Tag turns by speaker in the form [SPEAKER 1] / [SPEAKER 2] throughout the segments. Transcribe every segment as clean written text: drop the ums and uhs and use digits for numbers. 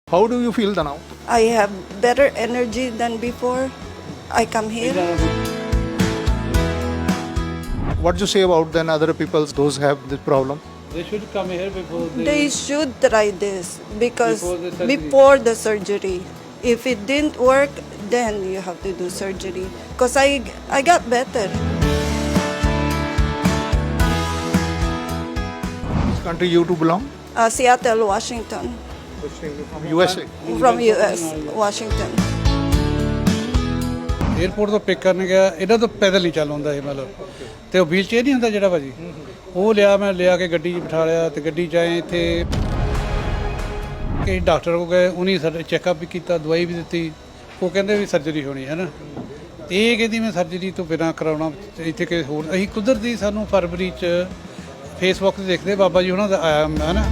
[SPEAKER 1] How do you feel now?
[SPEAKER 2] I have better energy than before I come here.
[SPEAKER 1] What do you say about then other people, those have this problem?
[SPEAKER 3] They should come here before
[SPEAKER 2] They should try this because
[SPEAKER 3] Before the surgery.
[SPEAKER 2] before the surgery. If it didn't work, then you have to do surgery. Because I got better.
[SPEAKER 1] Which country you to belong?
[SPEAKER 2] Seattle, Washington.
[SPEAKER 1] From USA.
[SPEAKER 2] From US, Washington.
[SPEAKER 3] Airport ਤੋਂ pick ਕਰਨ ਗਿਆ ਇਹਨਾਂ ਤੋਂ ਪੈਦਲ ਨਹੀਂ ਚੱਲ ਹੁੰਦਾ ਇਹ ਮਤਲਬ ਤੇ ਉਹ ਵੀਲ ਚੇਅਰ ਨਹੀਂ ਹੁੰਦਾ ਜਿਹੜਾ ਭਾਜੀ ਉਹ ਮੈਂ ਲਿਆ ਕੇ ਗੱਡੀ 'ਚ ਬਿਠਾ ਲਿਆ ਤੇ ਗੱਡੀ 'ਚ ਆਏ ਇੱਥੇ ਕਿ ਡਾਕਟਰ ਕੋਲ ਗਏ ਉਹਨੇ ਸਾਡਾ ਚੈੱਕਅਪ ਵੀ ਕੀਤਾ ਦਵਾਈ ਵੀ ਦਿੱਤੀ ਉਹ ਕਹਿੰਦੇ ਵੀ ਸਰਜਰੀ ਹੋਣੀ ਹੈ ਨਾ ਇਹ ਕਹਿੰਦੀ ਮੈਂ ਸਰਜਰੀ ਤੋਂ ਬਿਨਾਂ ਕਰਾਉਣਾ ਇੱਥੇ ਕਿਸੇ ਹੋਰ ਅਸੀਂ ਕੁਦਰਤੀ ਸਾਨੂੰ ਫਰਵਰੀ 'ਚ ਫੇਸਬੁੱਕ ਤੇ ਦੇਖਦੇ ਬਾਬਾ ਜੀ ਉਹਨਾਂ ਦਾ ਆਇਆ ਹੈ ਨਾ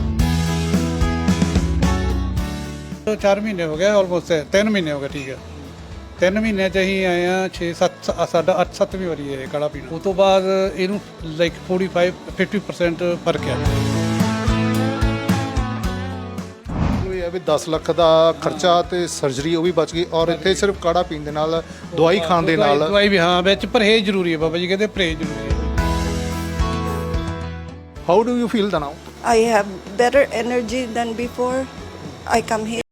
[SPEAKER 3] 4 ਮਹੀਨੇ ਹੋ ਗਏ ਆਲਮੋਸਟ 3 ਮਹੀਨੇ ਹੋ ਗਏ ਠੀਕ ਹੈ 3 ਮਹੀਨਿਆਂ 'ਚ ਅਸੀਂ ਆਏ ਹਾਂ 6-7 ਸਾਡਾ 8-7ਵੀਂ ਵਾਰੀ ਹੈ ਕਾੜਾ ਪੀਣਾ ਉਸ ਤੋਂ ਬਾਅਦ ਇਹਨੂੰ ਲਾਈਕ 50% ਫਰਕ ਹੈ
[SPEAKER 1] ਇਹ ਹੈ ਵੀ 10 ਲੱਖ ਦਾ ਖਰਚਾ ਤੇ ਸਰਜਰੀ ਉਹ ਵੀ ਬਚ ਗਈ ਔਰ ਇੱਥੇ ਸਿਰਫ ਕਾੜਾ ਪੀਣ ਦੇ ਨਾਲ ਦਵਾਈ ਖਾਣ ਦੇ ਨਾਲ
[SPEAKER 3] ਦਵਾਈ ਵੀ ਹਾਂ ਵਿੱਚ ਪਰਹੇਜ਼ ਜ਼ਰੂਰੀ ਹੈ ਬਾਬਾ ਜੀ ਕਹਿੰਦੇ ਪਰਹੇਜ਼ ਜ਼ਰੂਰੀ ਹੈ
[SPEAKER 1] How do you feel now?
[SPEAKER 2] I have better energy than before I come here.